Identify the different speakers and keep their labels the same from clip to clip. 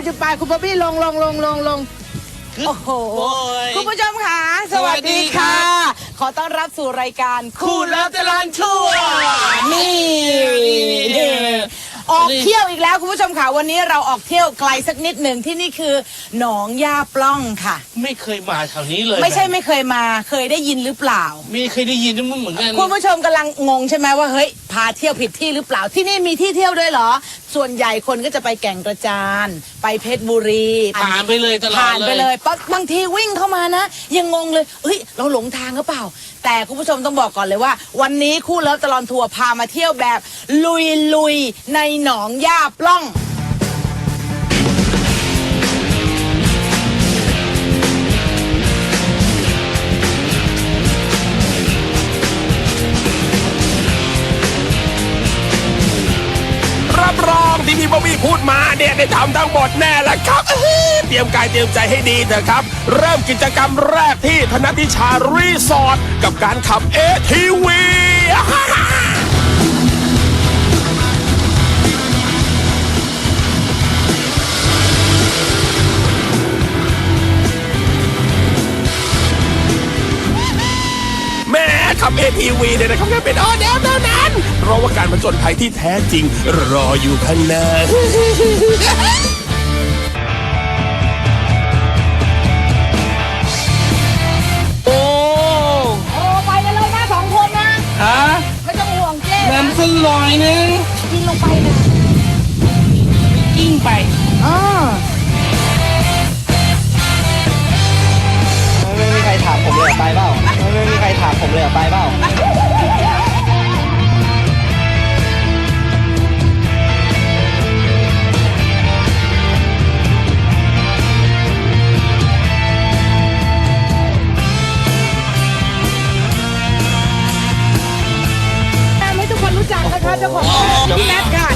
Speaker 1: จุดปลายคุณบ๊อบบี้ลงโอ้โหคุณผู้ชมค่ะสวัสดีค่ะขอต้อนรับสู่รายการ
Speaker 2: คู่เลิฟตลอดทั่ว
Speaker 1: นี่ออกเที่ยวอีกแล้วคุณผู้ชมค่ะวันนี้เราออกเที่ยวไกลสักนิดหนึ่งที่นี่คือหนองย่าปล้องค่ะ
Speaker 2: ไม่เคยมาแถวนี้เลย
Speaker 1: ไม่ใช่ไม่เคยมาเคยได้ยินหรือเปล่า
Speaker 2: ไม่เคยได้ยินเหมือนกัน
Speaker 1: คุณผู้ชมกำลังงงใช่ไหมว่าเฮ้ยพาเที่ยวผิดที่หรือเปล่าที่นี่มีที่เที่ยวด้วยเหรอส่วนใหญ่คนก็จะไปแก่งกระจานไปเพชรบุรี
Speaker 2: ผ่านไปเลยตลอด
Speaker 1: ผ่านไปเลยบางทีวิ่งเข้ามานะยังงงเลยเฮ้ยเราหลงทางหรือเปล่าแต่คุณผู้ชมต้องบอกก่อนเลยว่าวันนี้คู่เลิฟตลอดทัวร์พามาเที่ยวแบบลุยในหนองย่าปล้อง
Speaker 3: รับรองที่พี่บ๊อบบี้พูดมาเนี่ยได้ทำทั้งหมดแน่ละครับเตรียมกายเตรียมใจให้ดีเถอะครับเริ่มกิจกรรมแรกที่ธนติชารีสอร์ทกับการขับ ATV แม่ขับ ATV เนี่ยนะครับแค่เป็นออเดอร์เท่านั้นเพราะว่าการผจญภัยที่แท้จริงรออยู่ข้างหน้า
Speaker 2: โอ้
Speaker 1: ไปกันเลยนะ2 คนนะ
Speaker 2: ฮะ
Speaker 1: ไม่ต้องห่วงเจ๊
Speaker 2: น้ำสลอยนึง
Speaker 1: กินลงไปนะ
Speaker 2: กิ้งไป
Speaker 4: ไม่มีใครถามผมเลยไปเปล่าไม่มีใครถามผมเลยไปเปล่า
Speaker 1: ให้ทุกคนรู้จักนะคะเจ้าของพี่แมทค่ะ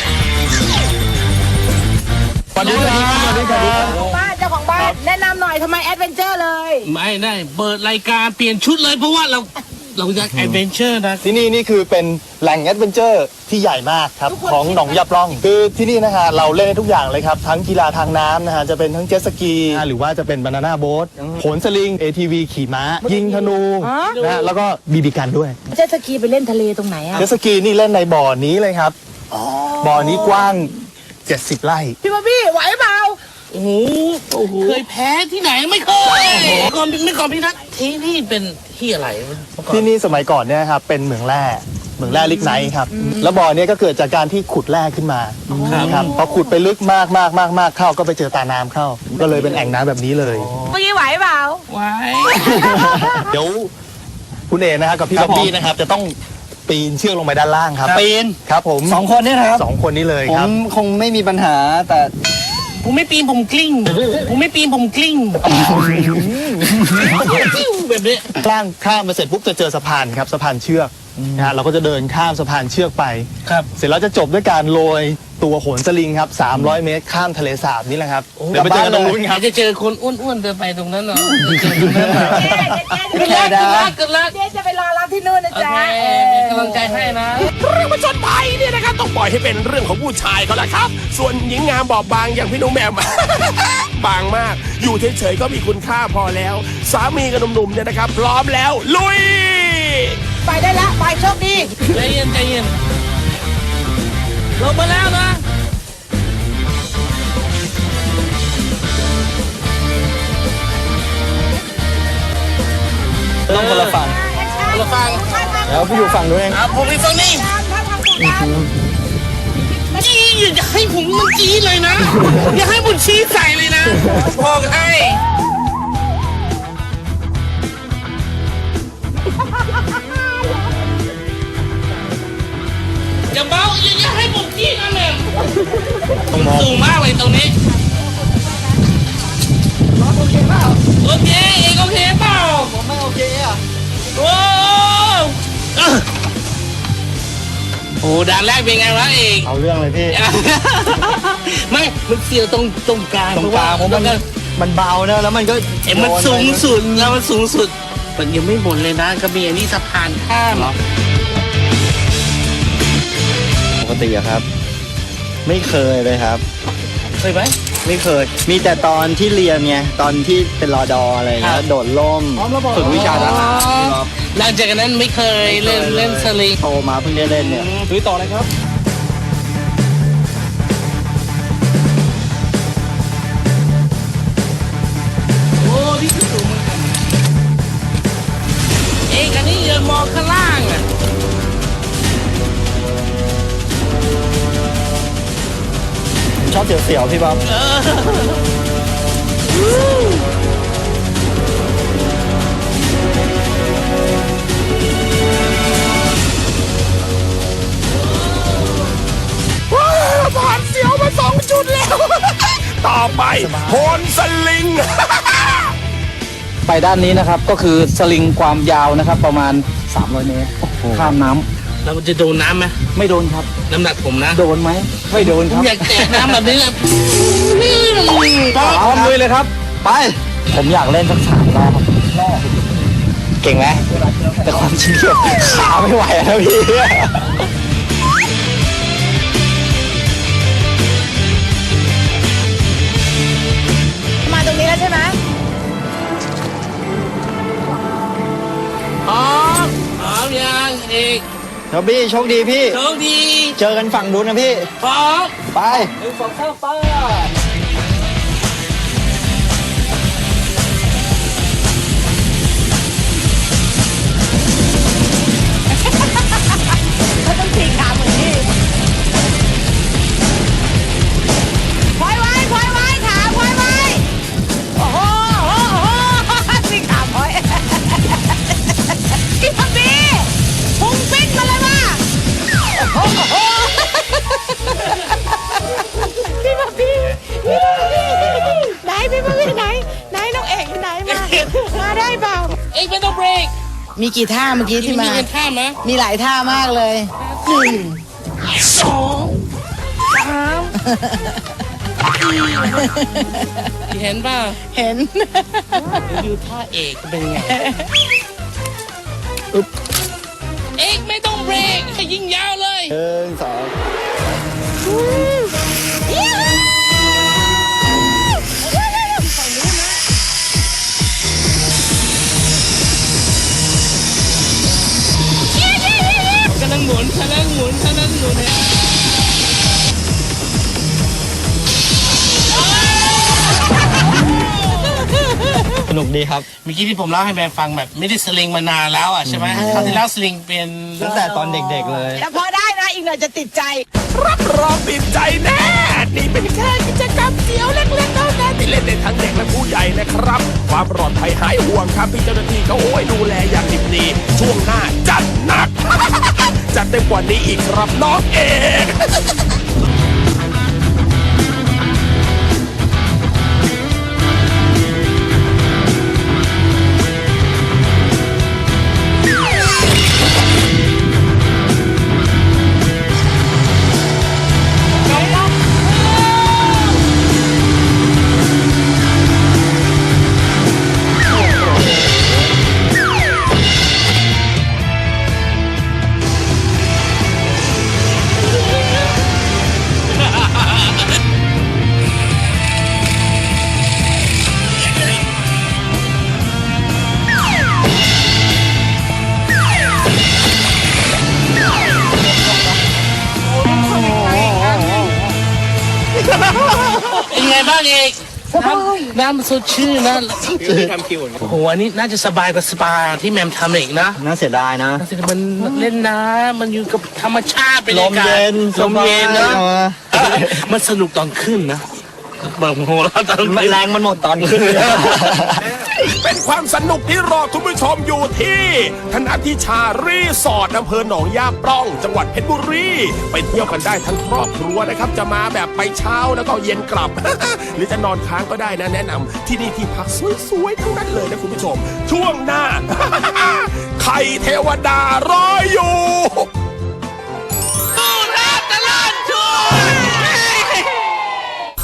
Speaker 3: สวัสดีครับ
Speaker 1: บ้านเจ้าของบ้านแนะนำหน่อยทำไมแอดเวนเจอร์เลย
Speaker 2: ไม่ได้เปิดรายการเปลี่ยนชุดเลยเพราะว่าเราอยากแอดเวนเจอร์นะ
Speaker 4: ที่นี่คือเป็นแหล่งแอดเวนเจอร์ที่ใหญ่มากครับของหนองยาปล้องคือที่นี่นะฮะเราเล่นได้ทุกอย่างเลยครับทั้งกีฬาทางน้ำนะฮะจะเป็นทั้งเจ็ตสกีหรือว่าจะเป็นบานาน่าโบ๊ทโหนสลิง ATV ขี่ม้ายิงธนูนะแล้วก็บีบีกันด้วย
Speaker 1: เจ็ตสกีไปเล่นทะเลตรงไหนอะ
Speaker 4: เจ็ตสกีนี่เล่นในบ่อนี้เลยครับบ่อนี้กว้าง70 ไร่
Speaker 1: พี่บ๊อบบี้ไหวเปล่า
Speaker 2: โอ้โหเคยแพ้ที่ไหนไม่เคยก่อนพี่นัทที่นี่เป็นที่อะไร
Speaker 4: ที่นี่สมัยก่อนเนี่ยครับเป็นเหมืองแร่ลิกไนท์ครับแล้วบ่อนี้ก็เกิดจากการที่ขุดแร่ขึ้นมาครับพอขุดไปลึกมากเข้าก็ไปเจอตาน้ำเข้าก็เลยเป็นแอ่งน้ำแบบนี้เลย
Speaker 1: เมื่อกี้ไหวเปล่า
Speaker 2: ไหว
Speaker 4: เดี๋ยวคุณเอนะครับกับพี่บ๊อบบี้นะครับจะต้องปีนเชือกลงไปด้านล่างครับ
Speaker 2: ปีน
Speaker 4: ครับผม
Speaker 5: 2 คนนี่นะครับ
Speaker 4: 2 คนนี้เลยครับ
Speaker 5: ผมคงไม่มีปัญหาแต่
Speaker 2: ผมไม่ปีนผมกลิ้งแบบนี้
Speaker 4: ล่างข้ามมาเสร็จปุ๊บจะเจอสะพานครับสะพานเชือกนะฮะเราก็จะเดินข้ามสะพานเชือกไป
Speaker 2: ครับ
Speaker 4: เสร็จแล้วจะจบด้วยการโรยตัวโหนสลิงครับ300 เมตรข้ามทะเลสาบนี่แหละครับเดี๋ยวไปเจอตรงนู้นครับ
Speaker 2: จะเจอคนอ้วนๆเดินไปตรงนั้นเหรอ
Speaker 1: เจ๊จะไปรอรับที่นู่นนะจ๊ะ
Speaker 2: กำลังใจให้นะ
Speaker 3: เรื่องผจญภัยเนี่ยนะครับต้องปล่อยให้เป็นเรื่องของผู้ชายเขาละครับส่วนหญิงงามบอบบางอย่างพี่หนุ่มแหม่ม บางมากอยู่เฉยๆก็มีคุณค่าพอแล้วสามีกับหนุ่มๆเนี่ยนะครับพร้อมแล้วลุย
Speaker 1: ไปได้ละไปโชคดี
Speaker 2: ใจเย็นลงมาแล้วนะ
Speaker 4: ต้องคนละฝั่งแล้วพี่อยู่ฝั่งนู้นเอง
Speaker 2: ผมอยู่ฝั่งนี้จี้อย่าให้ผมมันจี้เลยนะอย่าให้ผมชี้ใส่เลยนะบอกให้อย่าเบาอย่าให้ผมจี้นะแม่สูงมากเลยตรงนี้โอเคเปล่าโอเคเองโอเคเปล่า
Speaker 5: ผมไม่โอเคอ่ะ
Speaker 2: โอ้ด่านแรกเป็นไงวะเอง
Speaker 4: เอาเรื่องเลยพี่
Speaker 2: ไม่มันเสียวตรงกลาง
Speaker 4: เพราะมันเบานะแล้วมันก็
Speaker 2: มันสูงสุดแล้วมันสูงสุดมันยังไม่หมดเลยนะก็มีอันนี้สะพานข้าม
Speaker 4: ปกติอะครับไม่เคยเลยครับ
Speaker 2: เคยไหม
Speaker 5: ไม่เคย มีแต่ตอนที่เรียนไงตอนที่เป็นรอดออะไรอย่างเงี้ยโดดร่มฝึกวิชาทหารพี่บ๊อบ
Speaker 2: หลังจากนั้นไม่เคยเล่นสลิง
Speaker 5: โตมาเพิ่งได้เล่นเนี่ย
Speaker 4: ลุยต่อเลยครับ
Speaker 2: โอ้นี่คือสูงเหมือนกันเอกอันนี้ยืนมองข้างล่างอ่ะ
Speaker 5: ชอบเสียวๆพี่บ๊อบ
Speaker 3: ว้าวผ่านเสียวมา2 จุดแล้ว ต่อไปโหนสลิง
Speaker 6: ไปด้านนี้นะครับก็คือสลิงความยาวนะครับประมาณ 300 เมตรข้ามน้ำ
Speaker 2: แล้วมันจะโดนน้ำไหม
Speaker 6: ไม่โดนครับ
Speaker 2: น้ำหนักผมนะ
Speaker 6: โดนไหมไม่โดน
Speaker 2: ผ
Speaker 6: ค
Speaker 2: ม
Speaker 6: รับ
Speaker 2: อยากแตะน้ำแบบนี้เลย
Speaker 6: พร้อมลุยเลยครับ ไป ผมอยากเล่นสัก3 รอบเก่งไหมแต่ความจริงเกี่ยวขาไม่ไหวแล้วพี่
Speaker 1: มาตรงนี้แล้วใช่ไหม
Speaker 2: พร้อมยังเอก
Speaker 5: ครับพี่โชคดีพี่
Speaker 2: โชคดี
Speaker 5: เจอกันฝั่งนู้นนะพี่
Speaker 2: พร้อม
Speaker 5: ไป
Speaker 1: เขาต้องตีขาเหมือนนี่พลอยไว้พลอยไว้ขาพลอยไว้โอ้โหโอ้โหตีขาพลอยพี่พับบี้พุงปิ้นมาเลยว่ะโอ้โหพี่พับบี้ไหนพี่พับบี้ไหนน้องเอกไหนมาได้เปล่า
Speaker 2: เอกไม่ต้องเบรก
Speaker 1: มีกี่ท่าเมื่อกี้ที่มา
Speaker 2: เงินท่าไหม
Speaker 1: มีหลายท่ามากเลย
Speaker 2: เห็นป่ะ
Speaker 1: เห็น
Speaker 2: ดูท่าเอกเป็นไงเอกไม่ต้องเบรกให้ยิงยาวเลย
Speaker 5: 1 2
Speaker 2: กำลังหมุนเนี่ย
Speaker 5: สนุกดีครับ
Speaker 2: เมื่อกี้ที่ผมเล่าให้แม่ฟังแบบไม่ได้สลิงมานานแล้วอ่ะใช่ไหมคราวที่แล้วสลิงเป็น
Speaker 5: ตั้งแต่ตอนเด็กๆเลย
Speaker 1: แต่พอได้นะ อีกหน่อยจะติดใจ
Speaker 3: รับรองติดใจแน่ นี่เป็นแค่กิจกรรมเดียวเล็กๆเท่านั้นที่เล่นได้ทั้งเด็กและผู้ใหญ่นะครับ ความปลอดภัยหายห่วงครับพี่เจ้าหน้าที่เขาดูแลอย่างดีดีช่วงหน้าจัดหนัก จัดเต็มกว่านี้อีกครับน้องเอก
Speaker 2: เป็นไงบ้างเอกน้ำมันสดชื่นนะโอ้โหอันนี้น่าจะสบายกว่าสปาที่แมมทำอีกนะ
Speaker 5: น่าเสียดายนะ
Speaker 2: มันเล่นน้ำมันอยู่กับธรรมชาติเป็น
Speaker 5: ลมเย็น
Speaker 2: ลมเย็นนะ
Speaker 5: สบาย
Speaker 2: มันสนุกตอนขึ้นนะบางโหแล้วตอน
Speaker 5: แรงมันหมดตอนขึ้น
Speaker 3: เป็นความสนุกที่รอคุณผู้ชมอยู่ที่ธนทิชารีสอร์ทอำเภอหนองยาปล่อง จังหวัดเพชรบุรี ไปเที่ยวกันได้ทั้งครอบครัวนะครับ จะมาแบบไปเช้าแล้วก็เย็นกลับ หรือจะนอนค้างก็ได้นะแนะนำที่นี่ที่พักสวยๆทั้งนั้นเลยนะคุณผู้ชม ช่วงหน้า ไข่เทวดารออยู่